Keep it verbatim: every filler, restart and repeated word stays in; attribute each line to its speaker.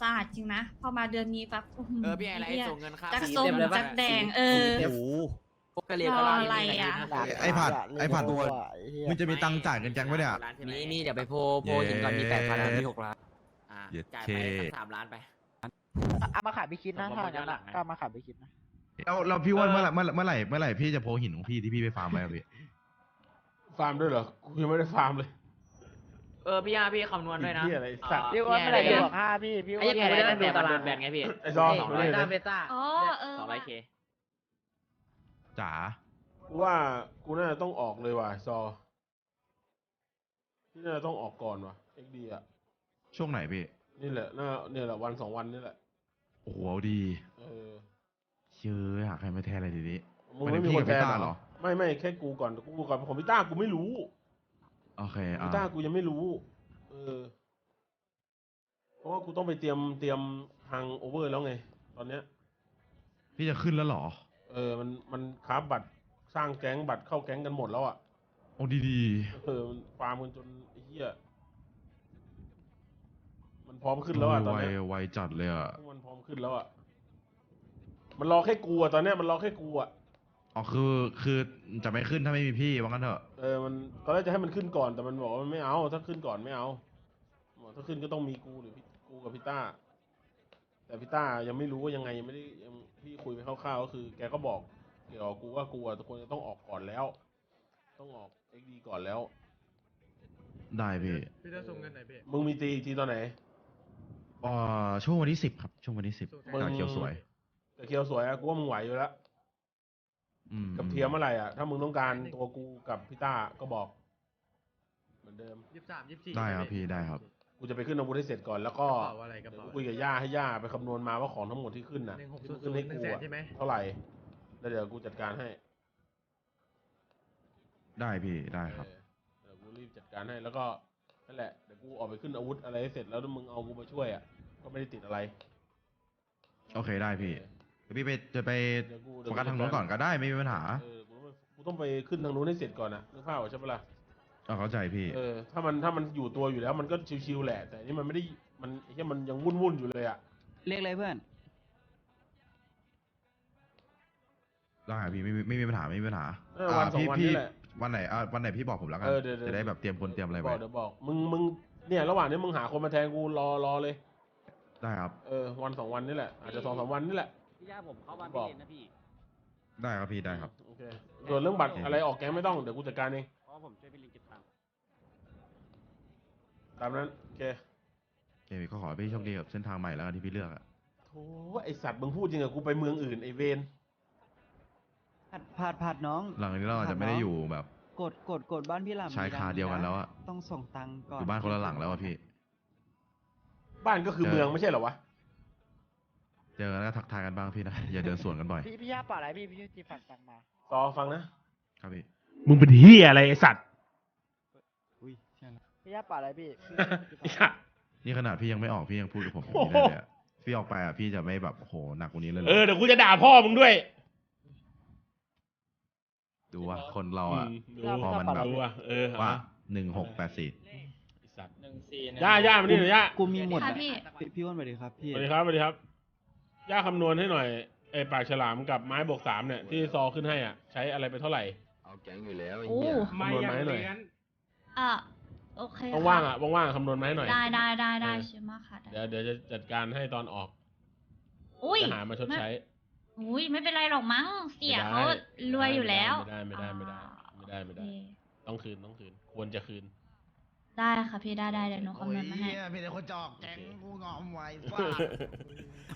Speaker 1: สะอาดจริงนะพอมาเดือนนี้ปั๊บ
Speaker 2: เออพี่ไอไลท์ส่งเงินค่า
Speaker 1: จัก
Speaker 2: สี
Speaker 1: ส้ม
Speaker 2: เต็มเลยปะ
Speaker 1: จักแดงเออ
Speaker 3: โอ้โห
Speaker 2: พวกกะเหรี่ยง
Speaker 1: รออะไรอะ
Speaker 4: ไอ้ผัดไอ้ผัด
Speaker 3: ตัว
Speaker 4: มึงจะมีตังค์จ่ายเงินแก๊งปะเนี่ย
Speaker 2: มีมีเดี๋ยวไปโพโพหินก่อนมีแปดพันมีหกล้านอ่า
Speaker 4: เย็ด
Speaker 2: จ่าย
Speaker 4: เค
Speaker 2: ไปสักสามล้านไป
Speaker 5: เอามาขายไปคิดนะถ้างั้นอ่ะก็เอามาขายไปคิดนะ
Speaker 4: เราเราพี่ว่าเมื่อไหร่เมื่อไหร่เมื่อไหร่เมื่อไหร่พี่จะโพหินของพี่ที่พี่ไปฟาร์มไปอะพี่
Speaker 6: ฟาร์มด้วยเหรอ กูยังไม่ได้ฟาร์มเลย
Speaker 2: เออพี่อาพี่คำนวณด้วยนะ
Speaker 6: เหี้ยอะไรสัตว์
Speaker 5: พี่ว่าเมื่อไหร่จะบอกห้าพี่พี่ว่า
Speaker 2: ไอ้ยังไงได้ดูตารางแบ่งไงพี่
Speaker 6: ไอ้ซอ
Speaker 2: สอง
Speaker 6: ดู
Speaker 2: ร้อย
Speaker 6: ดิ
Speaker 2: ด้านเบต้า
Speaker 1: อ๋อเออ
Speaker 2: สองร้อยเค
Speaker 4: จ๋า
Speaker 6: กูว่ากูน่าจะต้องออกเลยว่ะซอพี่น่าจะต้องออกก่อนว่ะเอ็กดีอ่ะ
Speaker 4: ช่วงไหนพี่
Speaker 6: นี่แหละน่าเนี่ยแหละวันสองวันนี่แหละ
Speaker 4: โอ้โหเอาดี
Speaker 6: เออ
Speaker 4: เชื่อหาใครมาแทนอะไรทีนี้
Speaker 6: มึงไม่มีคน
Speaker 4: หมายถึงพี่กับ
Speaker 6: แทน
Speaker 4: พี่ต้าเห
Speaker 6: เห
Speaker 4: ร
Speaker 6: ร
Speaker 4: อ
Speaker 6: อ ไม่ไม่แค่กูก่อนกูก่อนของพี่ต้ากูไม่รู้
Speaker 4: โอเค
Speaker 6: พี่
Speaker 4: อ่า
Speaker 6: ต้ากูยังไม่รู้ เออ เพราะว่ากูต้องไปเตรียมเตรียมทางโอเวอร์แล้วไง ตอนเนี้ย
Speaker 4: พี่จะขึ้นแล้วเหรอ
Speaker 6: เออ มันมันคราฟบัตรสร้างแก๊งบัตรเข้าแก๊งกันหมดแล้วอ่ะ
Speaker 4: โอ้ดีดี
Speaker 6: เออมันฟาร์มกันจนไอ้เหี้ย มันพร้อมขึ้นแล้วอ่ะตอน
Speaker 4: ไว
Speaker 6: เนี้ย
Speaker 4: ไวจัดเลยอ่ะ
Speaker 6: พวกมันพร้อมขึ้นแล้วอ่ะ มันรอแค่กูอ่ะตอนเนี้ยมันรอแค่กูอ่ะ
Speaker 4: อ๋อคือคือจะไม่ขึ้นถ้าไม่มีพี่ว่างั้นเถอะ
Speaker 6: เออ มันตอนแรกจะให้มันขึ้นก่อนแต่มันบอกว่ามันไม่เอา ถ้าขึ้นก่อนไม่เอาบอกถ้าขึ้นก็ต้องมีกูหรือพี่กูกับพี่ต้า แต่พี่ต้ายังไม่รู้ว่ายังไงยังไม่ได้ยังพี่คุยไปคร่าวๆก็คือ แกก็บอกเกี่ยวกับกูว่ากูอ่ะทุกคนจะต้องออกก่อนแล้ว ต้องออกเอ็กดีก่อนแล้ว
Speaker 4: ได้พี่
Speaker 7: พี่จะส่งเงินไหนพี่
Speaker 6: มึงมีตีอีกทีตอนไหน
Speaker 4: อ่าช่วงวันที่สิบครับ ช่วงวันที่สิบ
Speaker 6: มึง
Speaker 4: กาเขียวสวย
Speaker 6: แต่เคียวสวยอะกูว่ามึงไหวอยู่แล้ว
Speaker 4: อืม
Speaker 6: กับเทียมเมื่อไหร่อ่ะ ถ้ามึงต้องการตัวกูกับพี่ต้าก็บอก เหมือนเดิม
Speaker 7: ยี่สิบสามยี่สิบสี่
Speaker 4: ได้ครับพี่ได้ครับ
Speaker 6: กูจะไปขึ้นอาวุธให้เสร็จก่อนแล้วก็
Speaker 7: กระเป๋าอะไรกระ
Speaker 6: เดี๋ยว
Speaker 7: เป๋า
Speaker 6: กูคุยกับย่าให้ย่าไปคำนวณมาว่าของทั้งหมดที่ขึ้นน่ะ
Speaker 7: หนึ่งหก
Speaker 6: ที่
Speaker 7: ศู
Speaker 6: มึ
Speaker 7: น
Speaker 6: ง
Speaker 7: ย์
Speaker 6: ขึ้น
Speaker 7: ศู
Speaker 6: ให้
Speaker 7: นย์หนึ่งแสน
Speaker 6: กูอะ
Speaker 7: ใช่ไหม
Speaker 6: เท่าไหร่แล้วเดี๋ยวกูจัดการให้
Speaker 4: ได้พี่ได้ครับ
Speaker 6: เออเดี๋ยวกูรีบจัดการให้แล้วก็นั่นแหละเดี๋ยวกูออกไปขึ้นอาวุธอะไรให้เสร็จแล้วถ้ามึงเอากูมาช่วยอ่ะก็ไม่ได้ติดอะไร
Speaker 4: โอเคได้พี่เดี๋ยวพี่ไปจะไป
Speaker 6: เดี๋ยวกู
Speaker 4: โฟกัสทางนู้นก่อนก็ได้ไม่มีปัญหา
Speaker 6: เออกูต้องไปกูต้องไปขึ้นทางนู้นให้เสร็จก่อนนะนึกภาพออกใช่ปะล่ะ
Speaker 4: เอาเข้าใจพี่
Speaker 6: เออถ้ามันถ้ามันอยู่ตัวอยู่แล้วมันก็ชิวๆแหละ แต่นี่มันไม่ได้มันไอ้เหี้ยมันยังวุ่นๆอยู่เลยอ่ะ
Speaker 5: เรียกอะไรเพื่อน
Speaker 4: ได้ครับพี่ไม่มีไม่มีปัญหาไม่มีปัญหา
Speaker 6: เออวันสอง
Speaker 4: พี่
Speaker 6: วัน
Speaker 4: พี่
Speaker 6: นี่แหละ
Speaker 4: วันไหนอ่าวันไหนพี่บอกผมแล้วกัน
Speaker 6: เออเดี๋ยวเดี๋ยว
Speaker 4: จะได้แบบเตรียมคนเตรียมอะไร
Speaker 6: บ
Speaker 4: ไว้
Speaker 6: อกเดี๋ยวบอกมึงมึงเนี่ยระหว่างนี้มึงหาคนมาแทนกูรอรอเลย
Speaker 4: ได้ครับ
Speaker 6: เออวันสองวันนี่แหละอาจจะสองสามวันนี่แหละ
Speaker 2: พี่ย่าผมเข้าบ้าน
Speaker 6: บอก
Speaker 2: พี่เล่นนะพี่
Speaker 4: ได้ครับพี่ได้ครับ
Speaker 6: โอเคส่วนเรื่องบัตรอะไรออกแก๊งไม่ต้องเดี๋ยวกูจัดการเอง
Speaker 2: เพราะผมช่วยพี่ลิงเก็บตังค์
Speaker 6: ตามนั้นโอเค
Speaker 4: โอเคพี่ก็ขอให้พี่โชคดีกับเส้นทางใหม่แล้วกันที่พี่เลือกอะ
Speaker 6: โถ่ไอสัตว์มึงพูดจริงอะกูไปเมืองอื่นไอเวน
Speaker 5: ผัดผัดผัดน้อง
Speaker 4: หลังจากนี้เราอาจจะไม่ได้อยู่แบบ
Speaker 5: กดกดกดบ้านพี่หลำ
Speaker 4: ชายคาเดียวกันแล้วอะ
Speaker 5: ต้องส่งตังค์ก่อน
Speaker 4: อยู่บ้านคนละหลังแล้วอะพี่
Speaker 6: บ้านก็คือ
Speaker 4: เจอ
Speaker 6: เมืองไม่ใช่เหรอวะ
Speaker 4: เจอกันแล้วก็ทักทายกันบ้างพี่นะ อย่าเดินสวนกันบ่อย
Speaker 5: พี่พี่ย่าป่าอะไรพี่พี่จีฝันตังมา
Speaker 6: ต่อฟังนะครับ
Speaker 4: พี่
Speaker 6: มึงเป็นเฮียอะไรไอสัตว์
Speaker 5: อุ้ยใช่แล้วพี่ย่าป่าอะไรพี่
Speaker 6: ไอสัตว์
Speaker 4: นี่ขนาดพี่ยังไม่ออกพี่ยังพูดกับผมอย่างนี้ได้เลยอะพี่ออกไปอะพี่จะไม่แบบโอ้โหหนักกว่านี้เลยเหร
Speaker 6: เออ
Speaker 4: อ
Speaker 6: เดี๋ยวกูจะด่าพ่อมึงด้วย
Speaker 4: ดูว่าคนเราอะ
Speaker 6: มดู
Speaker 4: พอมันแบบ
Speaker 6: ดูว่ะเออ
Speaker 4: ว่า
Speaker 6: อ่ะ
Speaker 4: หนึ่งหกแปดสี่
Speaker 6: ไอสัตว์
Speaker 2: หนึ่งสี่
Speaker 6: ย่าย่ามานี่หน่อยย่า
Speaker 5: กูมีหมด
Speaker 1: ค่ะ
Speaker 5: อะ
Speaker 1: พี่
Speaker 5: พี่พี่อ้วนสวัสดีครับพี่
Speaker 6: สวัสดีครับสวัสดีครับ ย่าคำนวณให้หน่อยไอปากฉลามกับไม้บวกสามเนี่ยที่ซอขึ้นให้อ่ะใช้อะไรไปเท่าไหร่
Speaker 3: เอาแก๊งอยู่แล้วไอ้
Speaker 1: โอ้
Speaker 3: เหี้ย
Speaker 6: คำนวณมาให้หน่อย
Speaker 1: อ่ะโอเค
Speaker 6: ว่างๆอ่ะว่างๆคำนวณมาให้หน่อย
Speaker 1: ได้ได้ได้ได้
Speaker 6: เออ
Speaker 1: ใช่ไหมค่ะได้
Speaker 6: เดี๋ยวเดี๋ยวจะจัดการให้ตอนออก
Speaker 1: อุ้ย
Speaker 6: จะหามาชดใช้
Speaker 1: อุ้ยไม่เป็นไรหรอกมั้งเสีย
Speaker 6: ไม่ได้
Speaker 1: เขารวยอยู่แล้ว
Speaker 6: ไม่ได้ไม่ได้ไม่ได้ไม่ได้ไม่ได้
Speaker 1: โอเค
Speaker 6: ต้องคืนต้องคืน ควรจะคืน
Speaker 1: ได้ค่ะพี่ได้ได้เดี๋ยวหนูคำนวณมาให้
Speaker 4: มีแต่คนจอกแก๊งกูงอมไว้